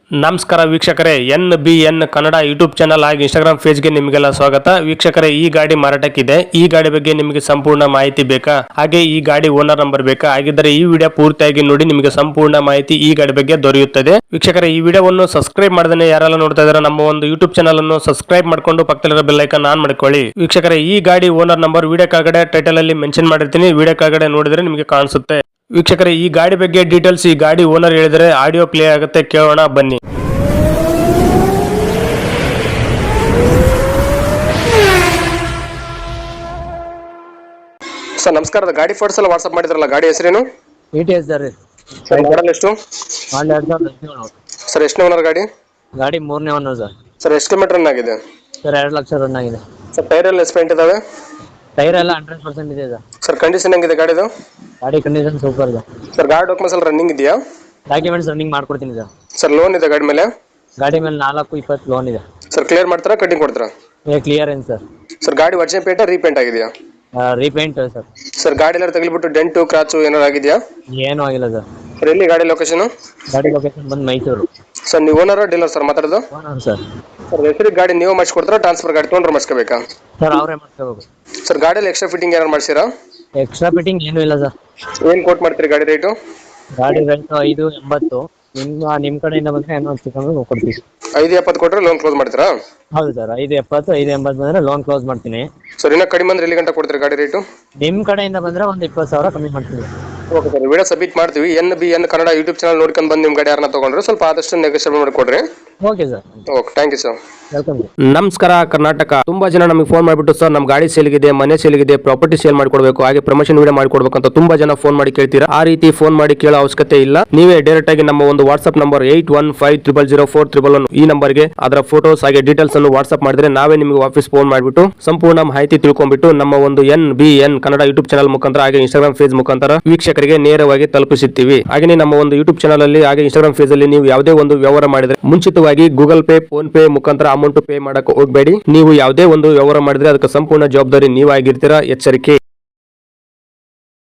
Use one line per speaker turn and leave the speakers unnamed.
ನಮಸ್ಕಾರ ವೀಕ್ಷಕರೇ, NBN Kannada YouTube channel ಹಾಗೂ ಇನ್ಸ್ಟಾಗ್ರಾಮ್ ಪೇಜ್ಗೆ ನಿಮಗೆಲ್ಲ ಸ್ವಾಗತ. ವೀಕ್ಷಕರೇ, ಈ ಗಾಡಿ ಮಾರಾಟಕ್ಕಿದೆ. ಈ ಗಾಡಿ ಬಗ್ಗೆ ನಿಮಗೆ ಸಂಪೂರ್ಣ ಮಾಹಿತಿ ಬೇಕಾ? ಹಾಗೆ ಈ ಗಾಡಿ ಓನರ್ ನಂಬರ್ ಬೇಕಾ? ಹಾಗಿದ್ದರೆ ಈ ವಿಡಿಯೋ ಪೂರ್ತಿಯಾಗಿ ನೋಡಿ, ನಿಮಗೆ ಸಂಪೂರ್ಣ ಮಾಹಿತಿ ಈ ಗಾಡಿ ಬಗ್ಗೆ ದೊರೆಯುತ್ತದೆ. ವೀಕ್ಷಕರೇ, ಈ ವಿಡಿಯೋವನ್ನು ಸಬ್ಸ್ಕ್ರೈಬ್ ಮಾಡದೇ ಯಾರೆಲ್ಲ ನೋಡ್ತಾ ಇದ್ದಾರೆ ನಮ್ಮ ಒಂದು ಯೂಟ್ಯೂಬ್ ಚಾನಲ್ ಅನ್ನು ಸಬ್ಸ್ಕ್ರೈಬ್ ಮಾಡ್ಕೊಂಡು ಪಕ್ಕದಲ್ಲಿರೋ ಬೆಲ್ ಐಕಾನ್ ಆನ್ ಮಾಡ್ಕೊಳ್ಳಿ. ವೀಕ್ಷಕರೇ, ಈ ಗಾಡಿ ಓನರ್ ನಂಬರ್ ವಿಡಿಯೋ ಕೆಳಗಡೆ ಟೈಟಲ್ ಅಲ್ಲಿ ಮೆನ್ಷನ್ ಮಾಡಿರ್ತೀನಿ. ವಿಡಿಯೋ ಕೆಳಗಡೆ ನೋಡಿದ್ರೆ ನಿಮಗೆ ಕಾಣಿಸುತ್ತೆ. ವೀಕ್ಷಕರೇ, ಈ ಗಾಡಿ ಬಗ್ಗೆ ಡೀಟೇಲ್ಸ್ ಈ ಗಾಡಿ ಓನರ್ ಹೇಳಿದರೆ ಆಡಿಯೋ ಪ್ಲೇ ಆಗುತ್ತೆ, ಕೇಳೋಣ ಬನ್ನಿ. ಸರ್ ನಮಸ್ಕಾರ, ಗಾಡಿ ಫೋಟೋಸ್ ಎಲ್ಲ ವಾಟ್ಸ್ಆಪ್ ಮಾಡಿದ್ರಲ್ಲ, ಗಾಡಿ ಹೆಸರೇನು?
ETS sir.
ಸರ್ ಮಾಡಲ್ ಎಷ್ಟು?
ಮಾಡಲ್ 2017.
ಸರ್ ಎಷ್ಟು ಓನರ್ ಗಾಡಿ?
ಗಾಡಿ 3ನೇ ಓನರ್ ಸರ್.
ಸರ್ ಎಷ್ಟು ಕಿಲೋಮೀಟರ್ ರನ್ ಆಗಿದೆ?
ಸರ್ 2 ಲಕ್ಷ ರನ್ ಆಗಿದೆ.
ಸರ್ ಟೈರ್ ಎಲ್ಲ ಎಸ್ಪೆಂಟ್ ಇದಾವೆ?
ಟೈರ್ ಎಲ್ಲ 100% ಇದೆ ಸರ್.
ಸರ್ ಕಂಡೀಷನ್ ಹೆಂಗಿದೆ ಗಾಡಿದು?
ಗಾಡಿ ಕಂಡೀಷನ್ ಸೂಪರ್ ಇದೆ
ಸರ್. ಗಾಡಿ ಡಾಕ್ಯುಮೆಂಟ್ಸ್ ಎಲ್ಲ ರನ್ನಿಂಗ್ ಇದೆಯಾ?
ಡಾಕ್ಯುಮೆಂಟ್ಸ್ ರನ್ನಿಂಗ್ ಮಾಡ್ಕೊಡ್ತೀನಿ ಸರ್.
ಸರ್ ಲೋನ್ ಇದೆ ಗಾಡಿ ಮೇಲೆ?
ಗಾಡಿ ಮೇಲೆ 420 ಲೋನ್ ಇದೆ
ಸರ್. ಕ್ಲಿಯರ್ ಮಾಡ್ತಾರಾ ಕಟಿಂಗ್ ಕೊಡ್ತಾರಾ?
ಕ್ಲಿಯರ್ ಏನು ಸರ್.
ಸರ್ ಗಾಡಿ ಒರಿಜಿನಲ್ ಪೇಂಟ್ ರೀಪೇಂಟ್ ಆಗಿದೆಯಾ?
Repaint sir.
ಸರ್ ಗಾಡಿ ಎಲ್ಲ ತಗಲಿಬಿಟ್ಟು ಡೆಂಟು ಕ್ರಾಚು ಏನಾರು ಆಗಿದೆಯಾ?
ಏನೂ ಆಗಿಲ್ಲ ಸರ್.
ಸರ್ ಎಲ್ಲಿ ಗಾಡಿ ಲೊಕೇಶನ್?
ಗಾಡಿ ಲೊಕೇಶನ್ ಬಂದು ಮೈಸೂರು.
ಸರ್ ನೀವು ಓನರ್ ಡೀಲರ್ ಸರ್ ಮಾತಾಡೋದು?
Owner sir.
ಸರ್ ಹೆಸರಿಗೆ ಗಾಡಿ ನೀವು ಮಾಡಿಸ್ಕೊಡ್ತಾರಾ ಟ್ರಾನ್ಸ್ಫರ್ ಗಾಡಿ ತೊಗೊಂಡ್ರೆ ಮಾಡಿಸ್ಕೋಬೇಕಾ?
ಸರ್ ಅವರೇ ಮಾಡ್ಕೋಬೇಕು.
ಸರ್ ಗಾಡಿಯಲ್ಲಿ ಎಕ್ಸ್ಟ್ರಾ ಫಿಟ್ಟಿಂಗ್ ಏನಾರು ಮಾಡಿಸಿರಾ?
ಎಕ್ಸ್ಟ್ರಾ ಫಿಟ್ಟಿಂಗ್ ಏನೂ ಇಲ್ಲ ಸರ್.
ಏನು ಕೋಟ್ ಮಾಡ್ತೀರಿ ಗಾಡಿ ರೇಟು?
ಗಾಡಿ ರೇಟ್ 580. ನಿಮ್ಮ ಕಡೆಯಿಂದ ಬಂದರೆ ಏನೋ ಚಿಕ್ಕಂದ್ರೆ ಕೊಡ್ತೀವಿ.
570 ಕೊಟ್ಟರೆ ಲೋನ್ ಕ್ಲೋಸ್ ಮಾಡ್ತೀರಾ?
ಹೌದು ಸರ್. 570 580 ಬಂದರೆ ಲೋನ್ ಕ್ಲೋಸ್ ಮಾಡ್ತೀನಿ.
ಸರ್ ಇನ್ನೂ ಕಡಿಮೆ ಅಂದ್ರೆ ಎಲ್ಲಿ ಗಂಟೆ ಕೊಡ್ತೀರಿ ಗಾಡಿ ರೇಟು?
ನಿಮ್ಮ ಕಡೆಯಿಂದ ಬಂದರೆ ಒಂದು 20,000 ಕಮ್ಮಿ ಮಾಡ್ತೀನಿ.
ಓಕೆ ಸರ್, ವಿಡಿಯೋ ಸಬ್ಮಿಟ್ ಮಾಡ್ತೀವಿ. NBN ಕನ್ನಡ ಯೂಟ್ಯೂಬ್ ಚಾನಲ್ ನೋಡ್ಕೊಂಡು ಬಂದು ನಿಮ್ಮ ಗಾಡಿ ಯಾರನ್ನ ತೊಗೊಂಡ್ರೆ ಸ್ವಲ್ಪ ಆದಷ್ಟು ನೆಗೋಷಿಯೇಟ್ ಮಾಡಿಕೊಡ್ರಿ.
Okay sir.
Okay, thank you sir.
Welcome.
ನಮಸ್ಕಾರ ಕರ್ನಾಟಕ. ತುಂಬಾ ಜನ ನಮಗೆ ಫೋನ್ ಮಾಡಿಬಿಟ್ಟು ಸರ್ ನಮ್ಮ ಗಾಡಿ ಸೇಲ್ಗಿದೆ, ಮನೆ ಸೇಲ್ಗಿದೆ, ಪ್ರಾಪರ್ಟಿ ಸೇಲ್ ಮಾಡಿಕೊಡ್ಬೇಕು, ಹಾಗೆ ಪ್ರಮೋಷನ್ ವಿಡಿಯೋ ಮಾಡಿಕೊಡ್ಬೇಕು ಅಂತ ತುಂಬಾ ಜನ ಫೋನ್ ಮಾಡಿ ಕೇಳ್ತೀರಾ. ಆ ರೀತಿ ಫೋನ್ ಮಾಡಿ ಕೇಳೋ ಅವಶ್ಯಕತೆ ಇಲ್ಲ. ನೀವೇ ಡೈರೆಕ್ಟ್ ಆಗಿ ನಮ್ಮ ಒಂದು ವಾಟ್ಸ್ಆಪ್ ನಂಬರ್ 81500411 ಈ ನಂಬರ್ಗೆ ಅದರ ಫೋಟೋಸ್ ಹಾಗೆ ಡೀಟೇಲ್ಸ್ ಅನ್ನು ವಾಟ್ಸ್ಆಪ್ ಮಾಡಿದ್ರೆ ನಾವೇ ನಿಮಗೆ ವಾಪಸ್ ಫೋನ್ ಮಾಡಿಬಿಟ್ಟು ಸಂಪೂರ್ಣ ಮಾಹಿತಿ ತಿಳ್ಕೊಂಡ್ಬಿಟ್ಟು ನಮ್ಮ ಒಂದು NBN ಕನ್ನಡ ಯೂಟ್ಯೂಬ್ ಚಾನಲ್ ಮುಖಾಂತರ ಹಾಗೆ ಇನ್ಸ್ಟಾಗ್ರಾಮ್ ಪೇಜ್ ಮುಖಾಂತರ ವೀಕ್ಷಕರಿಗೆ ನೇರವಾಗಿ ತಲುಪಿಸುತ್ತೀವಿ. ಹಾಗೆ ನಮ್ಮ ಒಂದು ಯೂಟ್ಯೂಬ್ ಚಾನಲ್ ಅಲ್ಲಿ ಹಾಗೆ ಇನ್ಸ್ಟಾಗ್ರಾಮ್ ಪೇಜ್ ಅಲ್ಲಿ ನೀವು ಯಾವುದೇ ಒಂದು ವ್ಯವಹಾರ ಮಾಡಿದ್ರೆ ಮುಂಚಿತವಾಗಿ ಗೂಗಲ್ ಪೇ, ಫೋನ್ ಪೇ ಮುಖಾಂತರ ಅಮೌಂಟ್ ಪೇ ಮಾಡಕ್ಕೆ ಹೋಗಬೇಡಿ. ನೀವು ಯಾವುದೇ ಒಂದು ವ್ಯವಹಾರ ಮಾಡಿದ್ರೆ ಅದಕ್ಕೆ ಸಂಪೂರ್ಣ ಜವಾಬ್ದಾರಿ ನೀವಾಗಿರ್ತೀರಾ. ಎಚ್ಚರಿಕೆ.